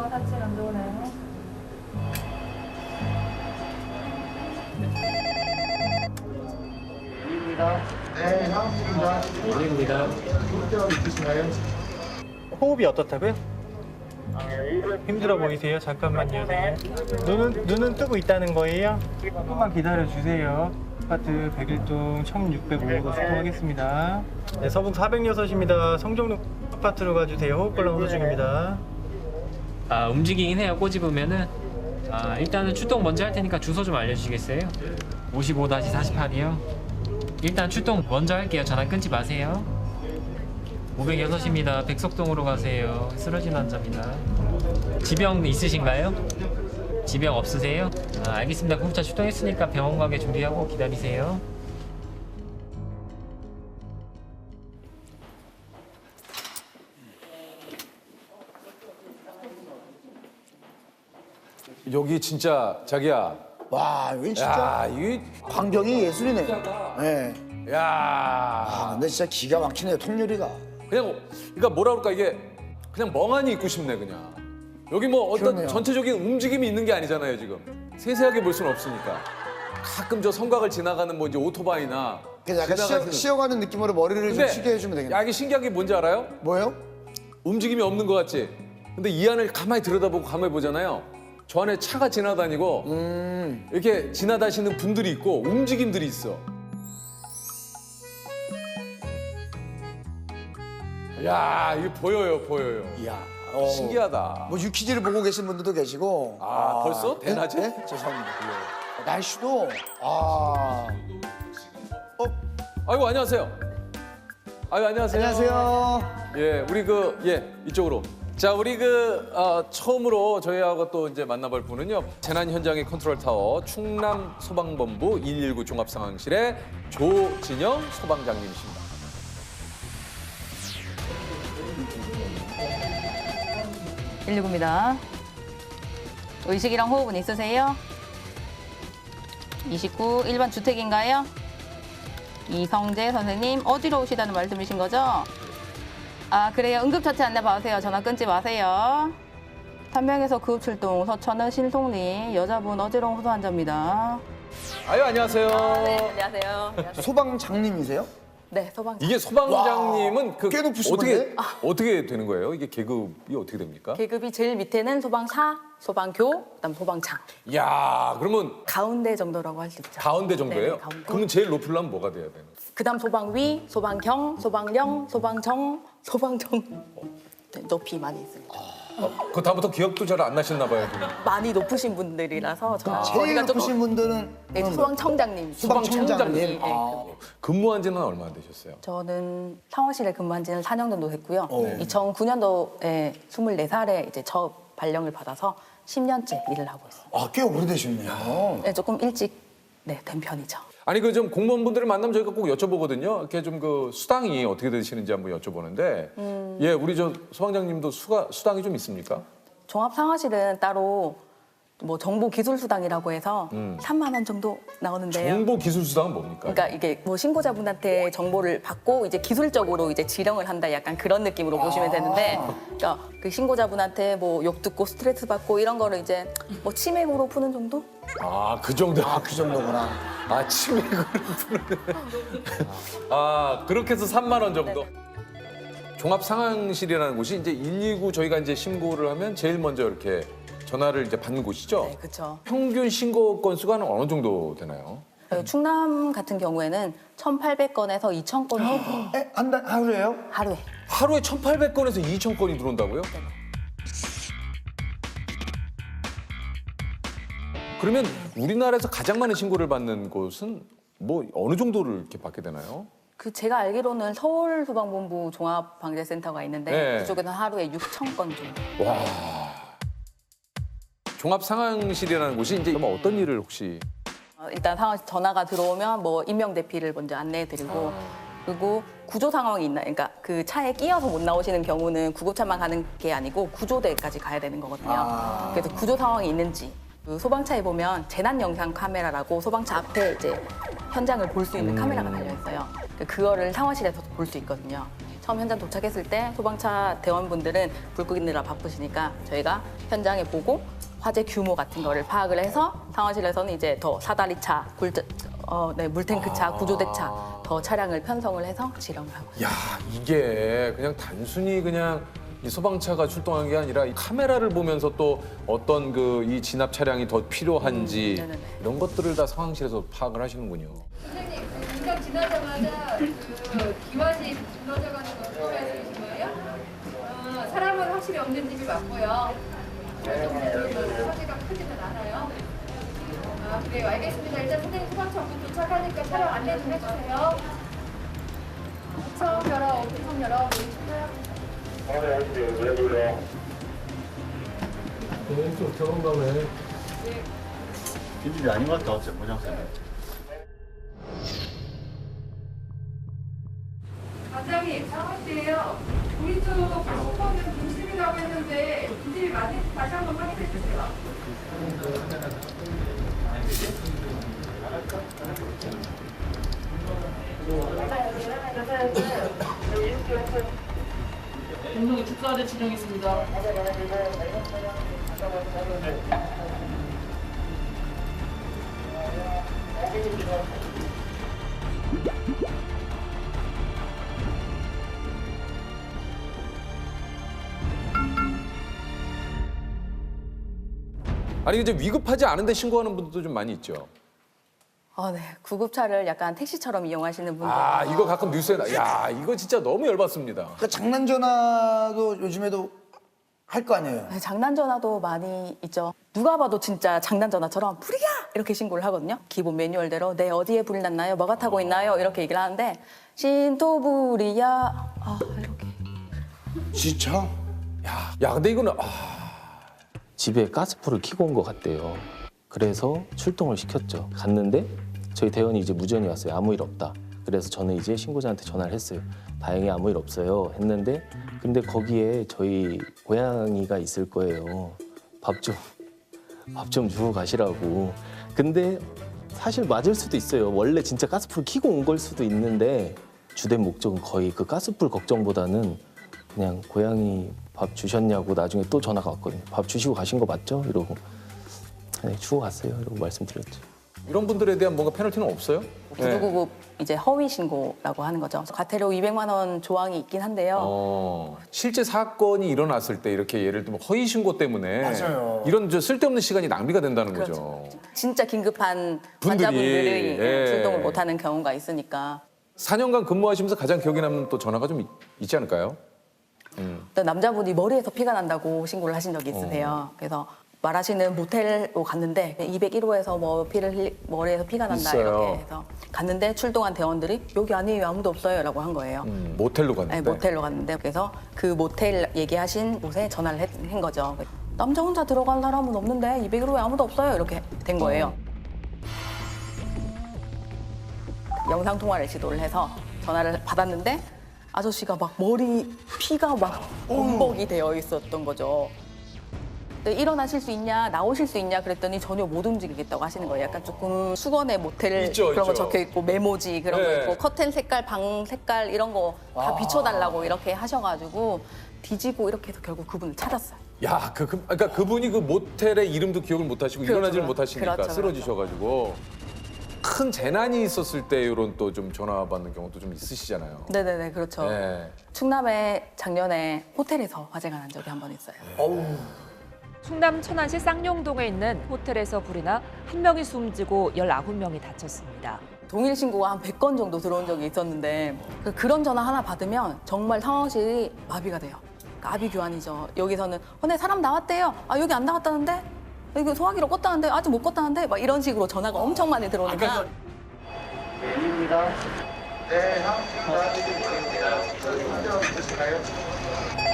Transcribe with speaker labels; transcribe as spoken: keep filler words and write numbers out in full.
Speaker 1: 들어오네요. 단체 안 들어오네요.
Speaker 2: 네, 반갑습니다.
Speaker 3: 아닙니다.
Speaker 2: 불편 있으신가요?
Speaker 4: 호흡이 어떻다고요? 힘들어 보이세요? 잠깐만요, 선생님. 눈은, 눈은 뜨고 있다는 거예요? 조금만 기다려 주세요. 아파트 백일 동 천육백오 호로 출동하겠습니다. 네, 서북 사백육입니다. 성종동 아파트로 가주세요. 호흡곤란 호소 중입니다.
Speaker 3: 아, 움직이긴 해요. 꼬집으면은. 아, 일단은 출동 먼저 할 테니까 주소 좀 알려주시겠어요? 오십오 사십팔이요. 일단 출동 먼저 할게요. 전화 끊지 마세요. 오백육입니다. 백석동으로 가세요. 쓰러진 환자입니다. 지병 있으신가요? 지병 없으세요? 아, 알겠습니다. 구급차 출동했으니까 병원 가게 준비하고 기다리세요.
Speaker 5: 여기 진짜 자기야.
Speaker 6: 와, 여기 진짜
Speaker 5: 야, 이게
Speaker 6: 광경이 예술이네. 네.
Speaker 5: 야.
Speaker 6: 아, 근데 진짜 기가 막히네요, 통유리가.
Speaker 5: 그냥 그러니까 뭐라 그럴까 이게 그냥 멍하니 있고 싶네 그냥. 여기 뭐 어떤
Speaker 6: 그러네요.
Speaker 5: 전체적인 움직임이 있는 게 아니잖아요 지금. 세세하게 볼 수는 없으니까. 가끔 저 성곽을 지나가는 뭐 이제 오토바이나
Speaker 6: 그래서 약간 쉬어,
Speaker 5: 지나가시는-
Speaker 6: 쉬어가는 느낌으로 머리를 좀
Speaker 5: 근데
Speaker 6: 쉬게 해주면 되겠네.
Speaker 5: 야, 이게 신기한 게 뭔지 알아요?
Speaker 6: 뭐예요?
Speaker 5: 움직임이 없는 것 같지? 근데 이 안을 가만히 들여다보고 가만히 보잖아요. 저 안에 차가 지나다니고
Speaker 6: 음,
Speaker 5: 이렇게 지나다니는 분들이 있고 움직임들이 있어. 야, 이게 보여요, 보여요.
Speaker 6: 이야. 어,
Speaker 5: 신기하다.
Speaker 6: 뭐 유퀴즈를 보고 계신 분들도 계시고.
Speaker 5: 아, 벌써? 대낮에?
Speaker 6: 네? 죄송합니다. 날씨도 아. 어,
Speaker 5: 아이고, 안녕하세요. 아이고, 안녕하세요.
Speaker 6: 안녕하세요.
Speaker 5: 예, 우리 그, 예, 이쪽으로. 자, 우리 그, 어, 처음으로 저희하고 또 이제 만나볼 분은요. 재난 현장의 컨트롤 타워 충남 소방본부 일일구 종합상황실의 조진영 소방장님이십니다.
Speaker 1: 일육구입니다. 의식이랑 호흡은 있으세요? 이십구, 일반 주택인가요? 이성재 선생님, 어디로 오시다는 말씀이신 거죠? 아, 그래요. 응급처치 안내 받으세요. 전화 끊지 마세요. 삼명에서 급출동, 서천은 신송리, 여자분 어지러운 호소 환자입니다.
Speaker 5: 아유, 안녕하세요.
Speaker 1: 네, 안녕하세요.
Speaker 6: 소방장님이세요?
Speaker 1: 네, 소방차.
Speaker 5: 이게 소방장님은 그
Speaker 6: 꽤 높으신
Speaker 5: 어떻게
Speaker 6: 건데?
Speaker 5: 어떻게 되는 거예요? 이게 계급이 어떻게 됩니까?
Speaker 1: 계급이 제일 밑에는 소방사, 소방교, 그다음 소방창.
Speaker 5: 야, 그러면
Speaker 1: 가운데 정도라고 할 수 있죠.
Speaker 5: 가운데 정도예요?
Speaker 1: 네, 가운데.
Speaker 5: 그러면 제일 높으려면 뭐가 돼야 되는?
Speaker 1: 그다음 소방위, 소방경, 소방령, 소방정, 소방정. 네, 높이 많이 있습니다.
Speaker 5: 그 다음부터 기억도 잘 안 나셨나 봐요. 지금.
Speaker 1: 많이 높으신 분들이라서 저는
Speaker 6: 제일
Speaker 1: 거리가 좀
Speaker 6: 높으신 분들은
Speaker 1: 네,
Speaker 6: 그럼
Speaker 1: 소방청장님.
Speaker 6: 소방청장님.
Speaker 1: 네, 네.
Speaker 6: 아,
Speaker 5: 근무한 지는 얼마나 되셨어요?
Speaker 1: 저는 상원실에 근무한 지는 사 년 정도 됐고요.
Speaker 6: 네.
Speaker 1: 이천구 년도에 스물네 살에 이제 저 발령을 받아서 십 년째 일을 하고 있어요.
Speaker 6: 아, 꽤 오래되셨네요.
Speaker 1: 네, 조금 일찍 네, 된 편이죠.
Speaker 5: 아니 그 좀 공무원분들을 만나면 저희가 꼭 여쭤보거든요. 이렇게 좀 그 수당이 어떻게 되시는지 한번 여쭤보는데,
Speaker 1: 음.
Speaker 5: 예, 우리 저 소방장님도 수가 수당이 좀 있습니까?
Speaker 1: 종합상화실은 따로 뭐 정보기술수당이라고 해서 삼만 원 정도 나오는데요.
Speaker 5: 정보 기술 수당은 뭡니까?
Speaker 1: 그러니까 이게 뭐 신고자분한테 정보를 받고 이제 기술적으로 이제 지령을 한다 약간 그런 느낌으로 보시면 되는데, 그러니까 그 신고자분한테 뭐 욕 듣고 스트레스 받고 이런 거를 이제 뭐 치맥으로 푸는 정도?
Speaker 5: 아, 그 정도.
Speaker 6: 아, 그 정도구나.
Speaker 5: 아, 치맥으로 푸는. 아, 그렇게 해서 삼만 원 정도. 종합상황실이라는 곳이 이제 일이구 저희가 이제 신고를 하면 제일 먼저 이렇게 전화를 이제 받는 곳이죠.
Speaker 1: 네, 그렇죠.
Speaker 5: 평균 신고 건수가 한 어느 정도 되나요?
Speaker 1: 충남 같은 경우에는 천팔백 건에서 이천 건 정도
Speaker 6: 에, 한 달, 하루에요?
Speaker 1: 하루에.
Speaker 5: 하루에 천팔백 건에서 이천 건이 들어온다고요? 그러면 우리나라에서 가장 많은 신고를 받는 곳은 뭐 어느 정도를 이렇게 받게 되나요?
Speaker 1: 그 제가 알기로는 서울소방본부 종합방재센터가 있는데
Speaker 5: 네.
Speaker 1: 그쪽에는 하루에 육천 건 정도.
Speaker 5: 와. 종합상황실이라는 곳이 이제 그러면 어떤 일을 혹시
Speaker 1: 어, 일단 상황 전화가 들어오면 뭐 인명 대피를 먼저 안내해드리고 그리고 구조 상황이 있나, 그러니까 그 차에 끼어서 못 나오시는 경우는 구급차만 가는 게 아니고 구조대까지 가야 되는 거거든요.
Speaker 6: 아.
Speaker 1: 그래서 구조 상황이 있는지. 그 소방차에 보면 재난 영상 카메라라고 소방차 앞에 이제 현장을 볼 수 있는 카메라가 달려 있어요. 그거를 상황실에서 볼 수 있거든요. 처음 현장 도착했을 때 소방차 대원분들은 불 끄느라 바쁘시니까 저희가 현장에 보고 화재 규모 같은 거를 파악을 해서 상황실에서는 이제 더 사다리차, 굴, 어, 네, 물탱크차, 구조대차 더 차량을 편성을 해서 지령을 하고 있어요.
Speaker 5: 야, 이게 그냥 단순히 그냥 이 소방차가 출동한 게 아니라 이 카메라를 보면서 또 어떤 그 이 진압 차량이 더 필요한지
Speaker 1: 음, 네네네.
Speaker 5: 이런 것들을 다 상황실에서 파악을 하시는군요.
Speaker 7: 선생님, 그 인강 지나자마자 그 기관이 무너져가는 거 처음 말씀이신 거예요? 어, 사람은 확실히 없는 집이 맞고요. 별도로 화재가 크지는 않아요. 아, 그래요. 알겠습니다. 일단 선생님 소방차분 도착하니까 촬영 안내 좀 해주세요. 처음 열어, 오픈 열어. 보이실까요?
Speaker 8: 빈집이 아닌 것 같아, 어째 모장쌤.
Speaker 7: 과장님, 상황실이에요. 우리 쪽 방법은 빈집이라고 했는데 빈집이 맞는지 다시 한번 확인해 주세요.
Speaker 9: 공동이 특사대 지정했습니다.
Speaker 5: 아니 이제 위급하지 않은데 신고하는 분들도 좀 많이 있죠.
Speaker 1: 어, 네. 구급차를 약간 택시처럼 이용하시는 분들.
Speaker 5: 아, 이거 가끔 뉴스에 나. 야, 이거 진짜 너무 열받습니다.
Speaker 6: 그러니까 장난 전화도 요즘에도 할 거 아니에요.
Speaker 1: 네, 장난 전화도 많이 있죠. 누가 봐도 진짜 장난 전화처럼 불이야 이렇게 신고를 하거든요. 기본 매뉴얼대로 네 어디에 불이 났나요? 뭐가 타고 있나요? 이렇게 얘기를 하는데 신토불이야 아 이렇게.
Speaker 6: 진짜?
Speaker 5: 야, 근데 이거는 아,
Speaker 10: 집에 가스불을 켜고 온 것 같대요. 그래서 출동을 시켰죠. 갔는데 저희 대원이 이제 무전이 왔어요. 아무 일 없다. 그래서 저는 이제 신고자한테 전화를 했어요. 다행히 아무 일 없어요. 했는데 근데 거기에 저희 고양이가 있을 거예요. 밥 좀 밥 좀 주고 가시라고. 근데 사실 맞을 수도 있어요. 원래 진짜 가스불 켜고 온 걸 수도 있는데 주된 목적은 거의 그 가스불 걱정보다는 그냥 고양이 밥 주셨냐고 나중에 또 전화가 왔거든요. 밥 주시고 가신 거 맞죠? 이러고 네, 주고 갔어요. 이러고 말씀드렸죠.
Speaker 5: 이런 분들에 대한 뭔가 페널티는 없어요?
Speaker 1: 구두구급 이제 허위 신고라고 하는 거죠. 과태료 이백만 원 조항이 있긴 한데요.
Speaker 5: 어, 실제 사건이 일어났을 때 이렇게 예를 들면 허위 신고 때문에
Speaker 6: 맞아요.
Speaker 5: 이런 저 쓸데없는 시간이 낭비가 된다는
Speaker 1: 그렇죠.
Speaker 5: 거죠.
Speaker 1: 진짜 긴급한
Speaker 5: 분들이,
Speaker 1: 환자분들이
Speaker 5: 예.
Speaker 1: 출동을 못하는 경우가 있으니까.
Speaker 5: 사 년간 근무하시면서 가장 기억에 남는 또 전화가 좀 있, 있지 않을까요?
Speaker 1: 또 남자분이 머리에서 피가 난다고 신고를 하신 적이 있으세요.
Speaker 5: 어.
Speaker 1: 그래서 말하시는 모텔로 갔는데 이백일 호에서 뭐 피를 흘리, 머리에서 피가 난다
Speaker 5: 있어요.
Speaker 1: 이렇게 해서 갔는데 출동한 대원들이 여기 아니에요 아무도 없어요라고 한 거예요.
Speaker 5: 음, 모텔로 갔는데.
Speaker 1: 네, 모텔로 갔는데 그래서 그 모텔 얘기하신 곳에 전화를 했, 한 거죠. 남자 혼자 들어간 사람은 없는데 이백일 호에 아무도 없어요 이렇게 된 거예요. 영상 통화를 시도를 해서 전화를 받았는데 아저씨가 막 머리 피가 막 범벅이 되어 있었던 거죠. 네, 일어나실 수 있냐, 나오실 수 있냐 그랬더니 전혀 못 움직이겠다고 하시는 거예요. 약간 조금 수건에 모텔
Speaker 5: 있죠,
Speaker 1: 그런 거
Speaker 5: 있죠.
Speaker 1: 적혀 있고 메모지 그런
Speaker 5: 네.
Speaker 1: 거 있고 커튼 색깔, 방 색깔 이런 거 다 비춰달라고 이렇게 하셔가지고 뒤지고 이렇게 해서 결국 그분을 찾았어요.
Speaker 5: 야, 그, 그, 그러니까 그분이 그 모텔의 이름도 기억을 못 하시고
Speaker 1: 그렇죠,
Speaker 5: 일어나지를
Speaker 1: 그렇죠.
Speaker 5: 못하시니까
Speaker 1: 그렇죠,
Speaker 5: 쓰러지셔가지고 큰 재난이 있었을 때 이런 또 좀 전화 받는 경우도 좀 있으시잖아요.
Speaker 1: 네네네 그렇죠.
Speaker 5: 네.
Speaker 1: 충남에 작년에 호텔에서 화재가 난 적이 한 번 있어요.
Speaker 11: 충남 천안시 쌍용동에 있는 호텔에서 불이 나 한 명이 숨지고 열아홉 명이 다쳤습니다.
Speaker 1: 동일 신고가 한 백 건 정도 들어온 적이 있었는데 그- 그런 전화 하나 받으면 정말 상황실이 마비가 돼요. 그러니까 아비 규환이죠. 여기서는 어, 네, 사람 나왔대요. 아 여기 안 나왔다는데? 이거 소화기로 껐다는데? 아직 못 껐다는데? 막 이런 식으로 전화가 엄청 많이 들어오니까
Speaker 2: 네, 상황실입니다. 저희 환자 있으신가요?